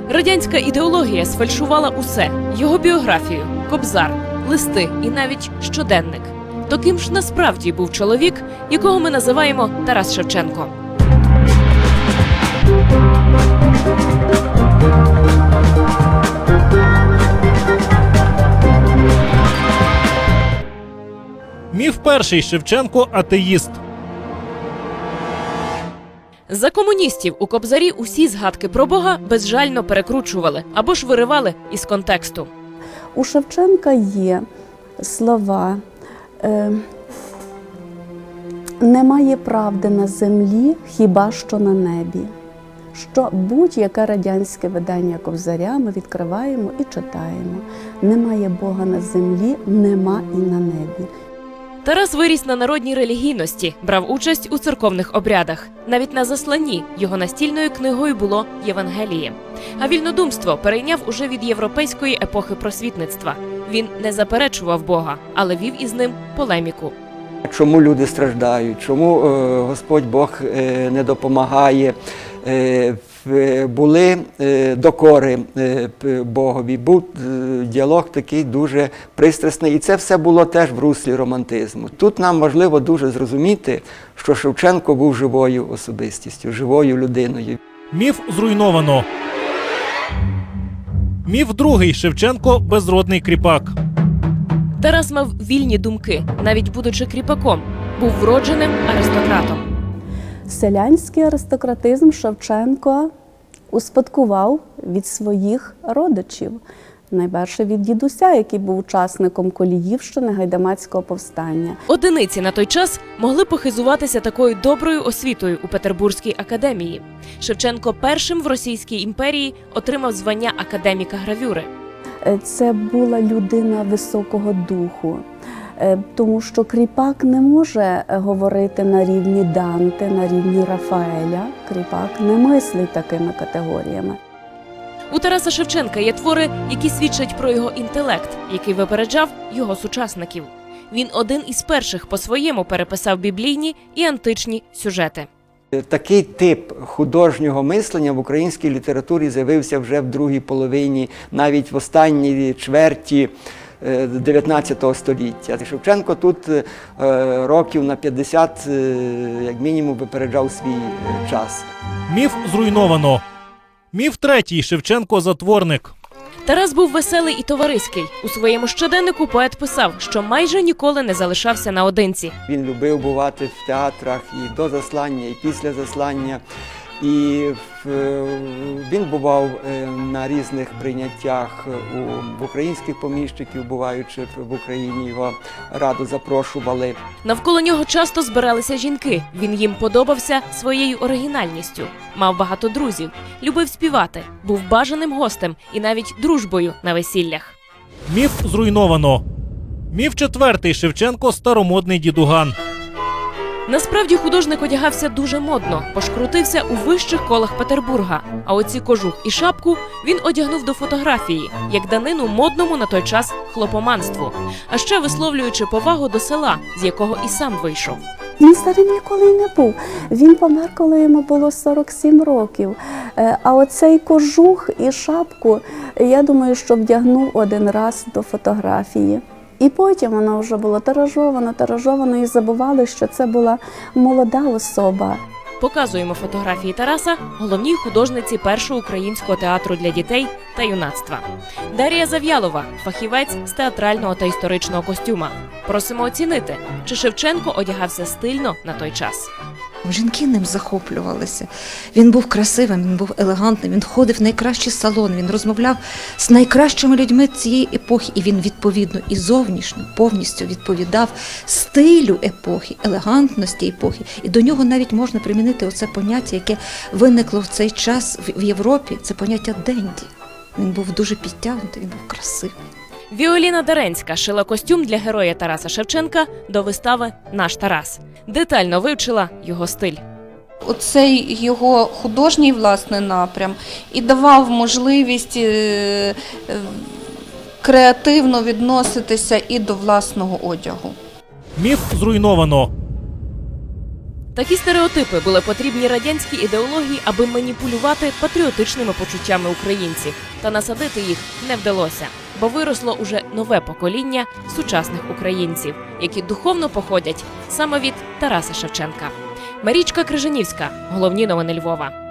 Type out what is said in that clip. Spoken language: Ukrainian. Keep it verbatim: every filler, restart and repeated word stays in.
Радянська ідеологія сфальшувала усе – його біографію, кобзар, листи і навіть щоденник. То ким ж насправді був чоловік, якого ми називаємо Тарас Шевченко? Міф перший. Шевченко – атеїст. За комуністів у кобзарі усі згадки про Бога безжально перекручували або ж виривали із контексту. У Шевченка є слова е, «Немає правди на землі, хіба що на небі». Що будь-яке радянське видання кобзаря ми відкриваємо і читаємо. Немає Бога на землі, нема і на небі. Тарас виріс на народній релігійності, брав участь у церковних обрядах. Навіть на засланні його настільною книгою було Євангеліє. А вільнодумство перейняв уже від європейської епохи просвітництва. Він не заперечував Бога, але вів із ним полеміку. Чому люди страждають, чому е, Господь Бог е, не допомагає, е, були е, докори е, Богові, був е, діалог такий дуже пристрасний. І це все було теж в руслі романтизму. Тут нам важливо дуже зрозуміти, що Шевченко був живою особистістю, живою людиною. Міф зруйновано. Міф другий. Шевченко – безродний кріпак. Тарас мав вільні думки, навіть будучи кріпаком. Був вродженим аристократом. Селянський аристократизм Шевченко успадкував від своїх родичів. Найперше від дідуся, який був учасником Коліївщини, Гайдамацького повстання. Одиниці на той час могли похизуватися такою доброю освітою у Петербурзькій академії. Шевченко першим в Російській імперії отримав звання академіка гравюри. Це була людина високого духу, тому що кріпак не може говорити на рівні Данте, на рівні Рафаеля. Кріпак не мислить такими категоріями. У Тараса Шевченка є твори, які свідчать про його інтелект, який випереджав його сучасників. Він один із перших по-своєму переписав біблійні і античні сюжети. Такий тип художнього мислення в українській літературі з'явився вже в другій половині, навіть в останній чверті дев'ятнадцятого століття. Шевченко тут років на п'ятдесят, як мінімум, випереджав свій час. Міф зруйновано. Міф третій. Шевченко – затворник. Тарас був веселий і товариський. У своєму щоденнику поет писав, що майже ніколи не залишався наодинці. Він любив бувати в театрах і до заслання, і після заслання. І він бував на різних прийняттях у, в українських поміщиків, буваючи в Україні, його радо запрошували. Навколо нього часто збиралися жінки. Він їм подобався своєю оригінальністю. Мав багато друзів, любив співати, був бажаним гостем і навіть дружбою на весіллях. Міф зруйновано. Міф четвертий. Шевченко – старомодний дідуган. Насправді художник одягався дуже модно, пошкрутився у вищих колах Петербурга. А оці кожух і шапку він одягнув до фотографії, як данину модному на той час хлопоманству. А ще висловлюючи повагу до села, з якого і сам вийшов. Він старим ніколи й не був. Він помер, коли йому було сорок сім років. А оцей кожух і шапку, я думаю, що вдягнув один раз до фотографії. І потім вона вже була тиражована, тиражована, і забували, що це була молода особа. Показуємо фотографії Тараса головній художниці першого українського театру для дітей та юнацтва. Дар'я Зав'ялова – фахівець з театрального та історичного костюма. Просимо оцінити, чи Шевченко одягався стильно на той час. Жінки ним захоплювалися. Він був красивим, він був елегантним, він ходив в найкращий салон, він розмовляв з найкращими людьми цієї епохи, і він відповідно і зовнішньо повністю відповідав стилю епохи, елегантності епохи. І до нього навіть можна примінити оце поняття, яке виникло в цей час в Європі, це поняття денді. Він був дуже підтягнутий, він був красивий. Віоліна Даренська шила костюм для героя Тараса Шевченка до вистави «Наш Тарас». Детально вивчила його стиль. Оцей його художній, власне, напрям і давав можливість креативно відноситися і до власного одягу. Міф зруйновано. Такі стереотипи були потрібні радянській ідеології, аби маніпулювати патріотичними почуттями українців. Та насадити їх не вдалося, бо виросло уже нове покоління сучасних українців, які духовно походять саме від Тараса Шевченка. Марічка Крижанівська. Головні новини Львова.